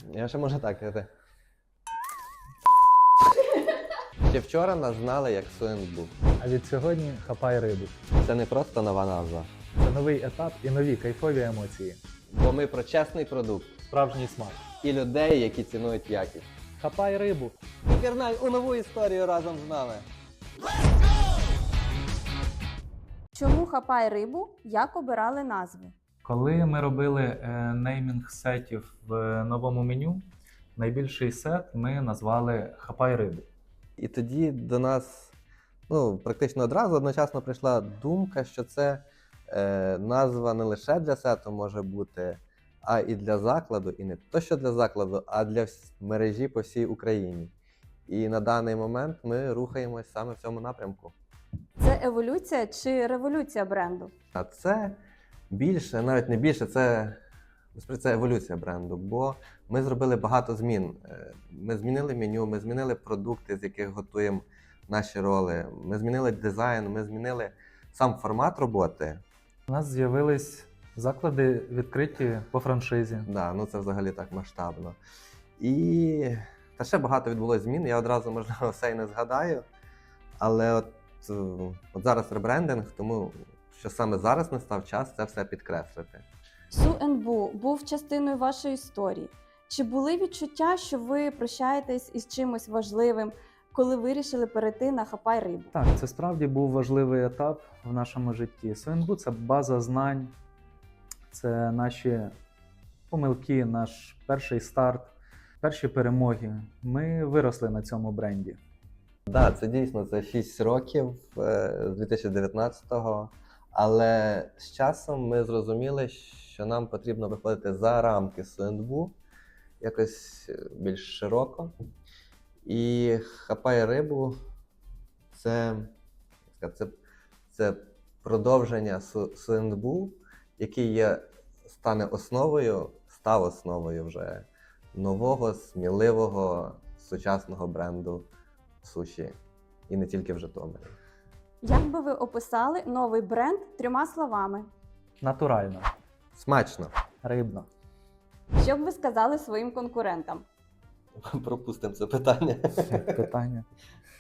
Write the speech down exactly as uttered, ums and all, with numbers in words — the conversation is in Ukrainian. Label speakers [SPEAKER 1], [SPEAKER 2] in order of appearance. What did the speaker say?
[SPEAKER 1] Я ще можу так казати. Ще вчора нас знали як Суенбу.
[SPEAKER 2] А від сьогодні хапай рибу.
[SPEAKER 1] Це не просто нова назва.
[SPEAKER 2] Це новий етап і нові кайфові емоції.
[SPEAKER 1] Бо ми про чесний продукт
[SPEAKER 2] Справжній смак.
[SPEAKER 1] і людей, які цінують якість.
[SPEAKER 2] Хапай рибу.
[SPEAKER 1] Пірнай у нову історію разом з нами.
[SPEAKER 3] Чому хапай рибу? Як обирали назви?
[SPEAKER 2] Коли ми робили е, неймінг сетів в новому меню, найбільший сет ми назвали Хапай рибу.
[SPEAKER 1] І тоді до нас ну, практично одразу одночасно прийшла думка, що це е, назва не лише для сету може бути, а і для закладу, і не то, що для закладу, а для вс- мережі по всій Україні. І на даний момент ми рухаємось саме в цьому напрямку.
[SPEAKER 3] Це еволюція чи революція бренду?
[SPEAKER 1] А це більше, навіть не більше, це, насправді, це еволюція бренду, бо ми зробили багато змін. Е, Ми змінили меню, ми змінили продукти, з яких готуємо наші роли, ми змінили дизайн, ми змінили сам формат роботи.
[SPEAKER 2] У нас з'явились заклади відкриті по франшизі.
[SPEAKER 1] Да, ну це взагалі так масштабно. І та ще багато відбулося змін. Я одразу, можливо, все і не згадаю. Але от, е, от зараз ребрендинг, тому що саме зараз настав час це все підкреслити.
[SPEAKER 3] Суенбу був частиною вашої історії. Чи були відчуття, що ви прощаєтесь із чимось важливим, коли вирішили перейти на хапай рибу?
[SPEAKER 2] Так, це справді був важливий етап в нашому житті. Суенбу – це база знань, це наші помилки, наш перший старт, перші перемоги. Ми виросли на цьому бренді.
[SPEAKER 1] Так, да, це дійсно це шість років е, з дві тисячі дев'ятнадцятого. Але з часом ми зрозуміли, що нам потрібно виходити за рамки Суенбу, якось більш широко. І хапай рибу це, як сказати, це, це продовження Су- Суенбу, який є, стане основою, став основою вже нового, сміливого, сучасного бренду суші. І не тільки в Житомирі.
[SPEAKER 3] Як би ви описали новий бренд трьома словами?
[SPEAKER 2] Натурально,
[SPEAKER 1] Смачно.
[SPEAKER 2] рибно.
[SPEAKER 3] Що б ви сказали своїм конкурентам?
[SPEAKER 1] Пропустимо це питання.
[SPEAKER 2] Питання.